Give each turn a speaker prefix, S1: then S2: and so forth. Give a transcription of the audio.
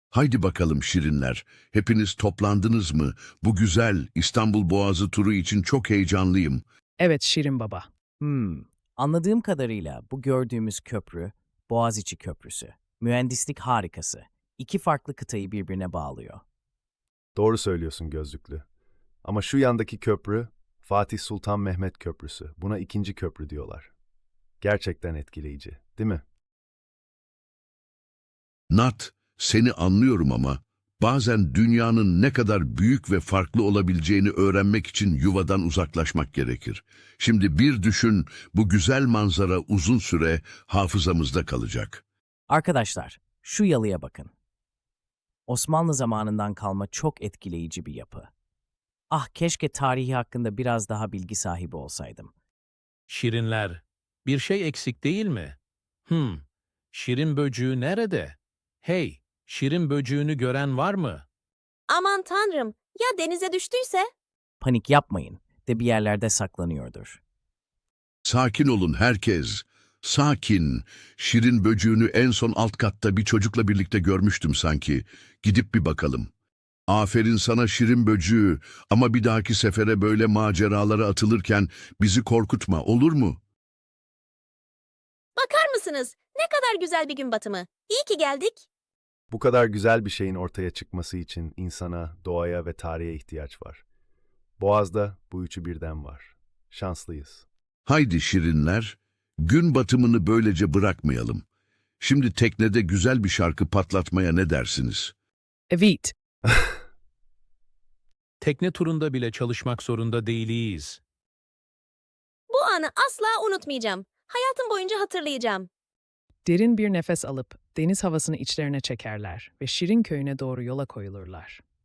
S1: Haydi bakalım şirinler, hepiniz toplandınız mı? Bu güzel İstanbul Boğazı turu için çok heyecanlıyım.
S2: Evet Şirin Baba.
S3: Anladığım kadarıyla bu gördüğümüz köprü, Boğaziçi Köprüsü. Mühendislik harikası. İki farklı kıtayı birbirine bağlıyor.
S4: Doğru söylüyorsun gözlüklü. Ama şu yandaki köprü, Fatih Sultan Mehmet Köprüsü. Buna ikinci köprü diyorlar. Gerçekten etkileyici, değil mi?
S1: Nat, seni anlıyorum ama bazen dünyanın ne kadar büyük ve farklı olabileceğini öğrenmek için yuvadan uzaklaşmak gerekir. Şimdi bir düşün, bu güzel manzara uzun süre hafızamızda kalacak.
S3: Arkadaşlar, şu yalıya bakın. Osmanlı zamanından kalma çok etkileyici bir yapı. Ah, keşke tarihi hakkında biraz daha bilgi sahibi olsaydım.
S5: Şirinler, bir şey eksik değil mi? Şirin böcüğü nerede? Hey, şirin böcüğünü gören var mı?
S6: Aman tanrım, ya denize düştüyse?
S3: Panik yapmayın, de bir yerlerde saklanıyordur.
S1: Sakin olun herkes. Sakin. Şirin böcüğünü en son alt katta bir çocukla birlikte görmüştüm sanki. Gidip bir bakalım. Aferin sana şirin böcüğü ama bir dahaki sefere böyle maceralara atılırken bizi korkutma, olur mu?
S6: Bakar mısınız? Ne kadar güzel bir gün batımı. İyi ki geldik.
S4: Bu kadar güzel bir şeyin ortaya çıkması için insana, doğaya ve tarihe ihtiyaç var. Boğaz'da bu üçü birden var. Şanslıyız.
S1: Haydi şirinler, gün batımını böylece bırakmayalım. Şimdi teknede güzel bir şarkı patlatmaya ne dersiniz?
S2: Evet.
S5: Tekne turunda bile çalışmak zorunda değiliz.
S6: Bu anı asla unutmayacağım. Hayatım boyunca hatırlayacağım.
S2: Derin bir nefes alıp deniz havasını içlerine çekerler ve Şirin köyüne doğru yola koyulurlar.